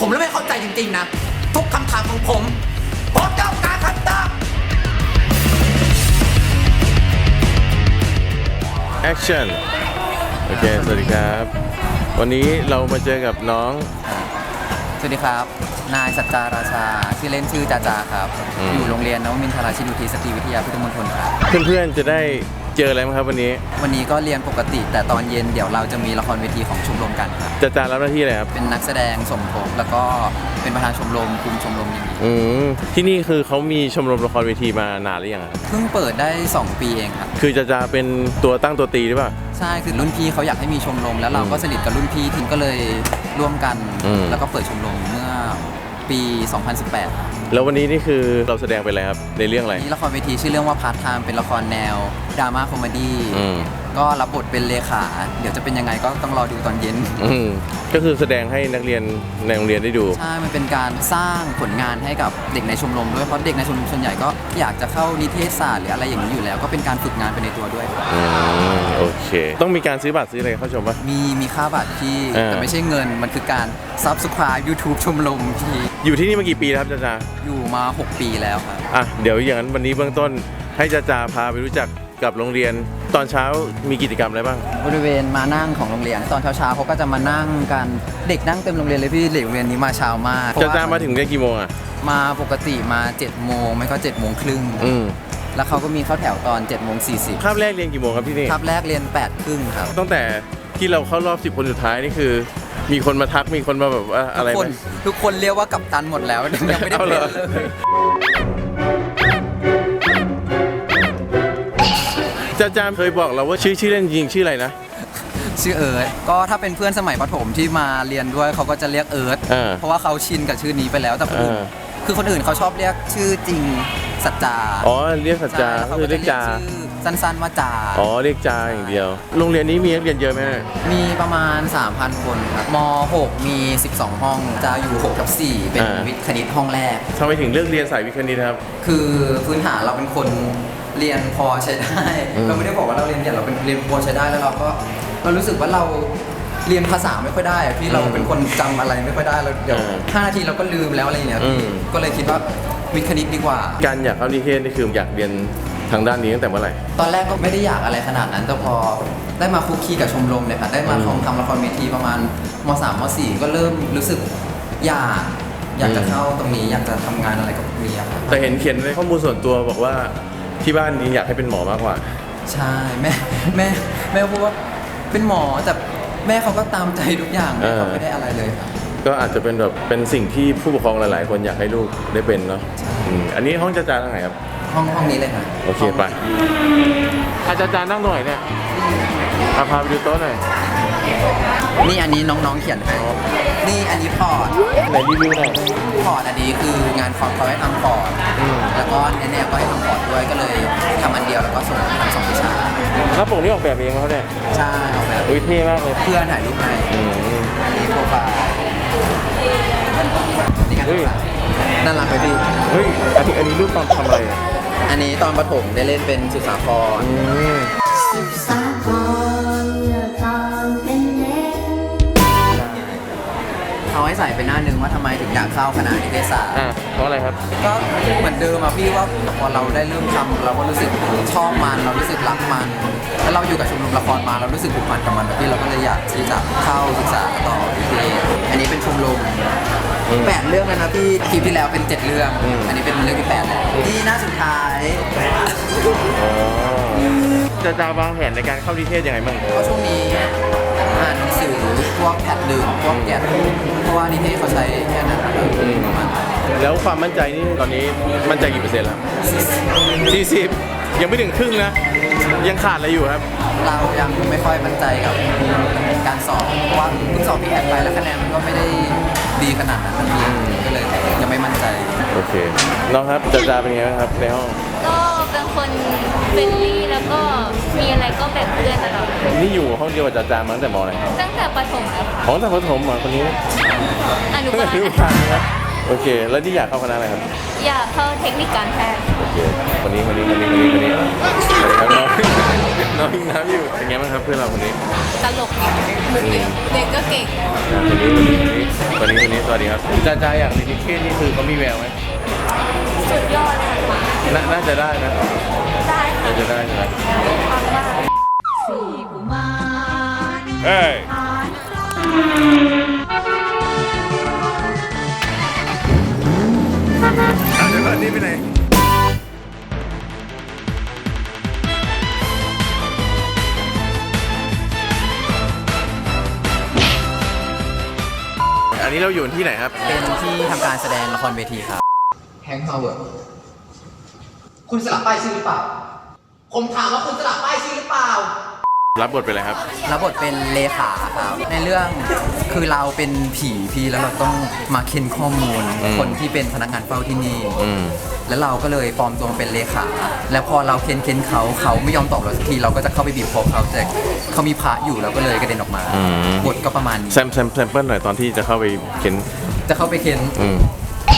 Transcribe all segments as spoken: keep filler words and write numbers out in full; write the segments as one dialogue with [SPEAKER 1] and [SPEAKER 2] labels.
[SPEAKER 1] ผมเลยไม่เข้าใจจริงๆนะทุกคำถามของผมผมต้องการคำตอบ
[SPEAKER 2] Action โอเคสวัสดีครับวันนี้เรามาเจอกับน้อง
[SPEAKER 3] สวัสดีครับนายสัจจาราชาชื่อเล่นชื่อจาจาครับอยู่โรงเรียนนวมินทราชินุทีสตรีวิทยาพุทธมณฑลครับ
[SPEAKER 2] เพื่อนๆจะได้เจออะไรไหมครับวันนี้
[SPEAKER 3] วันนี้ก็เรียนปกติแต่ตอนเย็นเดี๋ยวเราจะมีละครเวทีของชมรมกันครับ
[SPEAKER 2] จาจารับหน้าที่อะไรครับ
[SPEAKER 3] เป็นนักแสดงสมทบแล้วก็เป็นประธานชมรมคุมชมรมอย่างนี้
[SPEAKER 2] อืมที่นี่คือเขามีชมรมละครเวทีมานานหรือยังครับ
[SPEAKER 3] เพิ่งเปิดได้สองปีเองครับ
[SPEAKER 2] คือจาจาเป็นตัวตั้งตัวตีหรือเปล่า
[SPEAKER 3] ใช่คือรุ่นพี่เขาอยากให้มีชมรมแล้วเราก็สนิทกับรุ่นพี่ทีมก็เลยร่วมกันแล้วก็เปิดชมรมเมื่อปีสองพันสิบแปด
[SPEAKER 2] แล้ววันนี้นี่คือเราแสดงไปอะไรครับในเรื่องอะไร
[SPEAKER 3] นี่ละครเวทีชื่อเรื่องว่าพาร์ทไทม์เป็นละครแนวดราม่าคอมเมดี้ก็รับบทเป็นเลขาเดี๋ยวจะเป็นยังไงก็ต้องรอดูตอนเย็น
[SPEAKER 2] ก็คือแสดงให้นักเรียนในโรงเรียนได้ดู
[SPEAKER 3] ใช่มันเป็นการสร้างผลงานให้กับเด็กในชมรมด้วยเพราะเด็กในชมรมส่วนใหญ่ก็อยากจะเข้านิเทศศาสตร์หรืออะไรอย่างนี้อยู่แล้วก็เป็นการฝึกงานไปในตัวด้วย
[SPEAKER 2] อืมโอเคต้องมีการซื้อบัตรซื้ออะไรเข้าชมปะ
[SPEAKER 3] มีมีค่าบัตรที่แต่ไม่ใช่เงินมันคือการ Subscribe YouTube ชมรมที่
[SPEAKER 2] อยู่ที่นี่มากี่ปีแล้วครับจาจา
[SPEAKER 3] อยู่มาหกปีแล้วครับ
[SPEAKER 2] อ่ะเดี๋ยวอย่างนั้นวันนี้เบื้องต้นให้จาจาพาไปรู้จักกับโรงเรียนตอนเช้ามีกิจกรรมอะไรบ้าง
[SPEAKER 3] บริเวณมานั่งของโรงเรียนตอนเช้าๆเขาก็จะมานั่งกันเด็กนั่งเต็มโรงเรียนเลยพี่เด็กโรงเรียนนี้มาเช้ามาก
[SPEAKER 2] จาจามาถึงเรียนกี่โมงอ่ะ
[SPEAKER 3] มาปกติมาเจ็ดโมงไม่ก็เจ็ดโมงครึ่งแล้วเขาก็มีเข้าแถวตอนเจ็ดโมงสี่สิบ
[SPEAKER 2] คาบแรกเรียนกี่โมงครับที่นี่
[SPEAKER 3] คาบแรกเรียนแปดครึ่งครับ
[SPEAKER 2] ตั้งแต่ที่เราเข้ารอบสิบคนสุดท้ายนี่คือมีคนมาทักมีคนมาแบบว่าอะไรไหม
[SPEAKER 3] ทุกคนเรียกว่ากัปตันหมดแล้วยังไม่ได้เป็นเลย
[SPEAKER 2] จาจามเคยบอกเราว่าชื่อชื่อเล่นจริงชื่ออะไรนะ
[SPEAKER 3] ชื่อเอิร์ธก็ถ้าเป็นเพื่อนสมัยประถมที่มาเรียนด้วยเขาก็จะเรียกเอิร์ธเพราะว่าเขาชินกับชื่อนี้ไปแล้วแต่คนอื่นคือคนอื่นเขาชอบเรียกชื่อจริงสัจจา
[SPEAKER 2] อ๋อเรียกสัจจาคือเรียกจา
[SPEAKER 3] สั้นๆว่าจา
[SPEAKER 2] อ๋อเรียกจาอย่างเดียวโรงเรียนนี้มีนักเรียนเยอะไหม
[SPEAKER 3] มีประมาณ สามพัน คนครับม หก มีสิบสองห้องจะอยู่หกทับสี่เป็นวิทย์คณิตห้องแรก
[SPEAKER 2] ทำไมถึงเลือกเรียนสายวิทย์คณิตครับ
[SPEAKER 3] คือพื้นฐานเราเป็นคนเรียนพอใช้ได้เราไม่ได้บอกว่าเราเรียนเก่งเราเป็นเรียนพอใช้ได้แล้วเราก็เรารู้สึกว่าเราเรียนภาษาไม่ค่อยได้พี่เราเป็นคนจำอะไรไม่ค่อยได้เราเดี๋ยวห้านาทีเราก็ลืมแล้วอะไรอย่างเงี้ยก็เลยคิดว่าวิทย์คณิตดีกว่า
[SPEAKER 2] การอยากเข้านิเทศนี่คืออยากเรียนทางด้านนี้ตั้งแต่เมื่อไหร่
[SPEAKER 3] ตอนแรกก็ไม่ได้อยากอะไรขนาดนั้นแต่พอได้มาคุกคีกับชมรมเนี่ยค่ะได้มาทำทำละครเวทีประมาณม สาม ม สี่ก็เริ่มรู้สึกอยากอยากจะเข้าตรงนี้อยากจะทำงานอะไรกับเรียน
[SPEAKER 2] แต่เห็นเขียนในข้อมูลส่วนตัวบอกว่าที่บ้านนี้อยากให้เป็นหมอมากกว่า
[SPEAKER 3] ใช่แม่แม่แม่พูดว่าเป็นหมอแต่แม่เขาก็ตามใจทุกอย่างแม่เขาไม่ได้อะไรเลยครับ
[SPEAKER 2] ก็อาจจะเป็นแบบเป็นสิ่งที่ผู้ปกครองหลายๆคนอยากให้ลูกได้เป็นเนาะอันนี้ห้องจาจาทางไหนครับ
[SPEAKER 3] ห้องห้องนี้เลยครับ
[SPEAKER 2] โอเคไปอาจารย์นั่งตรงไหนเนี่ยพาไปดูโต๊ะหน่อย
[SPEAKER 3] นี่อันนี้น้องๆเขียนให้นี่อันนี้พอร์ต
[SPEAKER 2] ไหนรีวิวหน่อย
[SPEAKER 3] พอร์ตอันนี้คืองานคอมเขาให้ทำพอร์ตแล้วก็แน่ๆก็ให้ทำพอร์ตด้วยก็เลยทำอันเดียวแล้วก็ส่งทั้งสองวิชา
[SPEAKER 2] หน้าปกนี่ออกแบบเองเขาเนี่ย
[SPEAKER 3] ใช่ออกแบบ
[SPEAKER 2] วิเท่มากเลย
[SPEAKER 3] เพื่อนถ่ายรูปให้อันนี้โปรไฟล์นี่กันน่ารักเลยพี่
[SPEAKER 2] เฮ้ยอันนี้อันนี้รูปตอนทำอะไร
[SPEAKER 3] อันนี้ตอนประถมได้เล่นเป็นสุสาครสุสาครเป็นเล็กเขาให้ใส่เป็นหน้านึงว่าทำไมถึงอยากเข้าคณะนิเทศศาสตร์
[SPEAKER 2] อ่าเพราะอะไรครับ
[SPEAKER 3] ก็เหมือนเดิมอะพี่ว่าพอเราได้เริ่มทำเราก็รู้สึกชอบมันเรารู้สึกรักมันแล้วเราอยู่กับชมรมละครมาเรารู้สึกผูกพันกับมันพี่เราก็เลยอยากที่จะเข้าศึกษาต่อนิเทศอันนี้เป็นชมรมแปดเรื่องแล้วนะพี่คลิปที่แล้วเป็นเจ็ดเรื่องอันนี้เป็นเรื่องที่แปดแล้วที่หน้าสุดท้าย
[SPEAKER 2] จะจะวางแผนในการเข้านิเทศยังไงบ้าง
[SPEAKER 3] ก็ช่วงนี้อ่านหนังสือพวกแพทดึงพวกแกะเพราะว่านิเทศเขาใช้แค่นั้นประมาณ
[SPEAKER 2] แล้วความมั่นใจนี่ตอนนี้มั่นใจกี่เปอร์เซ็นต์แล้วสี่สิบยังไม่ถึงครึ่งนะยังขาดอะไรอยู่ครับ
[SPEAKER 3] เรายังไม่ค่อยมั่นใจกับการสอบเพราะว่าเพิ่งสอบพี่แอดไปแล้วคะแนนมันก็ไม่ได้ดีขนาดนั้นก็เลยยังไม่มั่นใจ
[SPEAKER 2] โอเคน้องครับจาจาเป็นไงบ้างครับในห้อง
[SPEAKER 4] ก็เป็นคนเฟรนลี่แล้วก็มีอะไรก็แบ่งเพื่อนตลอด
[SPEAKER 2] นี่อยู่ห้องเดียวกับจาจามาตั้งแต่ม.อะไร
[SPEAKER 4] ตั้งแต่ประถมแล้ว
[SPEAKER 2] อ๋อตั้งแต่ประถมมาคนนี้
[SPEAKER 4] อนุบาล
[SPEAKER 2] ครับโอเค แล้วที่อยากเข้าคณะอะไรครับ
[SPEAKER 4] อยากเข้าเทคนิคการแพทย์
[SPEAKER 2] โอเคคนนี้คนนี้คนนี้คนนี้คนนี้สวัสดีครับน้อง น้องยิงน้ำอยู่เป็นไงบ้างครับเพื่อนเราคนนี้
[SPEAKER 4] ตลกเด็กก็เก่ง
[SPEAKER 2] คนนี้คนนี้คนนี้คนนี้สวัสดีครับจ้าจ้าอยากเรียนนิเทศนี่คือเขามีแววไหม
[SPEAKER 4] สุดยอดเลยค่ะ
[SPEAKER 2] น่าน่าจะได้นะ
[SPEAKER 4] ได้ค่ะ
[SPEAKER 2] น่าจะได้ใช่ไหม
[SPEAKER 4] ฟังว่า
[SPEAKER 2] เฮ้ยเอาเดี๋ยวก่อนนี่ไปไหนอันนี้เราอยู่ที่ไหนครับ
[SPEAKER 3] เป็นที่ทำการแสดงละครเวทีครับแฮงค์ฮาวเวิร์ด
[SPEAKER 1] คุณสลับป้ายชื่อหรือเปล่า ผมถามว่าคุณสลับป้ายชื่อหรือเปล่า
[SPEAKER 2] รับบทเป็นอะไรครับ
[SPEAKER 3] รับบทเป็นเลขาครับ ในเรื่องคือเราเป็นผีพี่แล้วเราต้องมาเค้นข้อมูล
[SPEAKER 2] อืม
[SPEAKER 3] คนที่เป็นพนักงานเฝ้าที่นี่
[SPEAKER 2] อืม
[SPEAKER 3] แล้วเราก็เลยปลอมตัวมาเป็นเลขา แล้วพอเราเค้นเค้นเขาเขาไม่ยอมตอบเราสักทีเราก็จะเข้าไปบีบคอเขาแต่เขามีพระอยู่เราก็เลยกระเด็นออกมา
[SPEAKER 2] อืม
[SPEAKER 3] บทก็ประมาณนี้
[SPEAKER 2] แซมแซมแซมเปิลหน่อยตอนที่จะเข้าไปเข็น
[SPEAKER 3] จะเข้าไปเค้น
[SPEAKER 2] อืม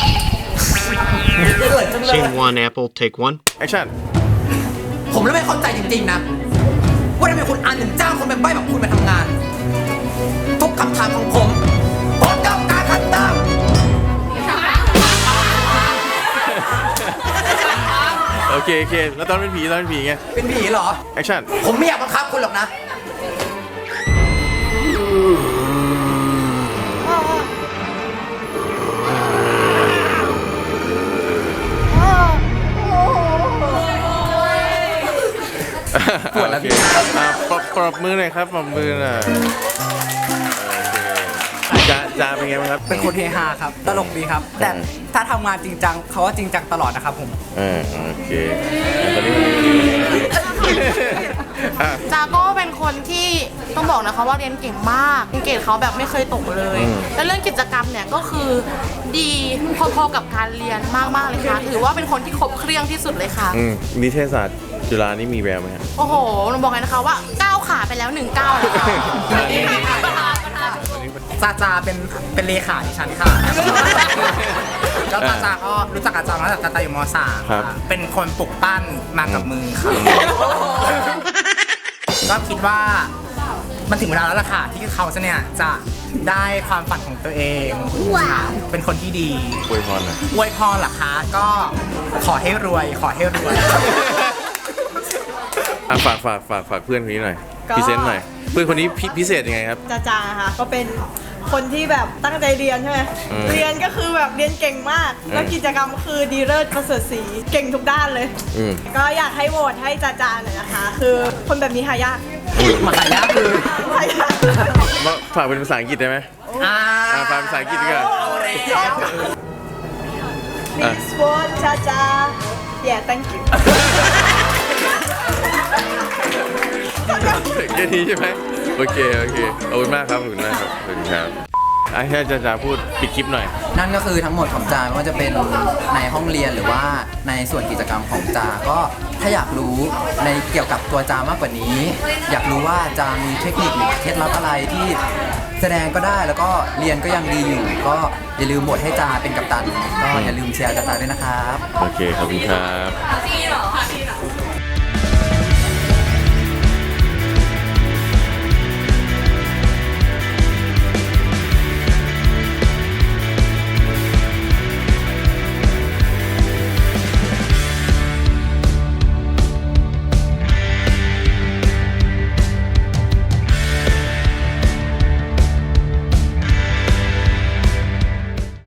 [SPEAKER 5] Scene one, Apple, take one.
[SPEAKER 2] แอคชั่น
[SPEAKER 1] ผมเลยไม่เข้าใจจริงๆนะ ว่าทำไมคุณอันถึงจ้างคนเป็นใบ้แบบคุณมาทำงาน ทุกคำถามของผมผมต้องการคำตอบ
[SPEAKER 2] โอเคโอเค แล้วตอนเป็นผีตอนเป็นผีไง
[SPEAKER 1] เป็นผีเหรอ
[SPEAKER 2] แอคชั่น
[SPEAKER 1] ผมไม่อยากบังคับคุณหรอกนะ
[SPEAKER 3] ปวดแล้ว
[SPEAKER 2] โอเคอ่ะปรบปรบมือหน่อยครับปรบมือหน่อยโอเคจ้าจ้าเป็นไงบ้างครับ
[SPEAKER 6] เป็นคนเฮฮาครับ ตลกดีครับ แต่ถ้าทำงานจริงจังเขาว่าจริงจังตลอดนะครับผม
[SPEAKER 2] เออโอเคตอนนี้คนนี้คนนี้อ่ะ
[SPEAKER 7] จาก็เป็นคนที่ต้องบอกนะคะว่าเรียนเก่งมากเกรดเขาแบบไม่เคยตกเลย
[SPEAKER 2] อืม
[SPEAKER 7] แล้วเรื่องกิจกรรมเนี่ยก็คือดีพอๆกับการเรียนมากๆเลยค่ะ ถือว่าเป็นคนที่ครบเครื่องที่สุดเลยค่ะ
[SPEAKER 2] อืมนิเทศศาสตร์จุฬานี่มีแววไหมครับ
[SPEAKER 7] โอ้โหหนูบอกเลยนะคะว่าก้าวขาไปแล้วหนึ่งก้าวเลยค่ะ
[SPEAKER 6] ซาจาเป็นเป็นเลขาดิฉันค่ะ แล้วซาจาก็รู้จักอาจารย์มาตั้งแต่ซาจาอยู่ม .สาม
[SPEAKER 2] ครับ
[SPEAKER 6] ค่ะเป็นคนปลุกปั้นมากับมือค่ะ ก็คิดว่ามันถึงเวลาแล้วล่ะค่ะ ที่เขาจะเนี่ยจะได้ความฝันของตัวเองค่ะเป็นคนที่ดี
[SPEAKER 2] อวยพรหน่อย
[SPEAKER 6] อวยพรเหรอคะ ก็ขอให้รวย ขอให้รวย
[SPEAKER 2] อ่ะฝากฝากฝากฝากเพื่อนคนนี้หน่อย
[SPEAKER 8] ก็
[SPEAKER 2] พรีเซนต์หน่อย เพื่อนคนนี้พิพิเศษยังไงครับ
[SPEAKER 8] จาจาค่ะก็เป็นคนที่แบบตั้งใจเรียนใช่ไหม
[SPEAKER 2] อืม
[SPEAKER 8] เรียนก็คือแบบเรียนเก่งมาก
[SPEAKER 2] อืม
[SPEAKER 8] แล้วกิจกรรมคือดีเลิศประเสริฐศรีเก่งทุกด้านเลย
[SPEAKER 2] อืม
[SPEAKER 8] ก็อยากให้โหวตให้จาจาหน่อยนะคะ คือคนแบบนี้หายาก
[SPEAKER 6] มาขายยากคือ
[SPEAKER 8] หายาก
[SPEAKER 2] มาฝากเป็นภาษาอังกฤษได้ไหม
[SPEAKER 6] อ่า
[SPEAKER 2] อ่ะฝากเป็นภาษาอังกฤษดีกว่า
[SPEAKER 8] ชอบ Please vote จาจา yeah thank you
[SPEAKER 2] แค่นี้ใช่ไหมโอเคโอเคขอบคุณมากครับขอบคุณมากครับขอบคุณครับไอ้แค่จะจะพูดปิดคลิปหน่อย
[SPEAKER 3] นั่นก็คือทั้งหมดของจาไม่ว่าจะเป็นในห้องเรียนหรือว่าในส่วนกิจกรรมของจาก็ถ้าอยากรู้ในเกี่ยวกับตัวจามากกว่านี้ อยากรู้ว่าจามีเทคนิคหรือเคล็ดลับอะไรที่แสดงก็ได้แล้วก็เรียนก็ยังดีอยู่ ก็อย่าลืมโหวตให้จาเป็นกัปตันก็อย่าลืมเชียร์จาจาด้วยนะครับ
[SPEAKER 2] โอเคขอบคุณครับ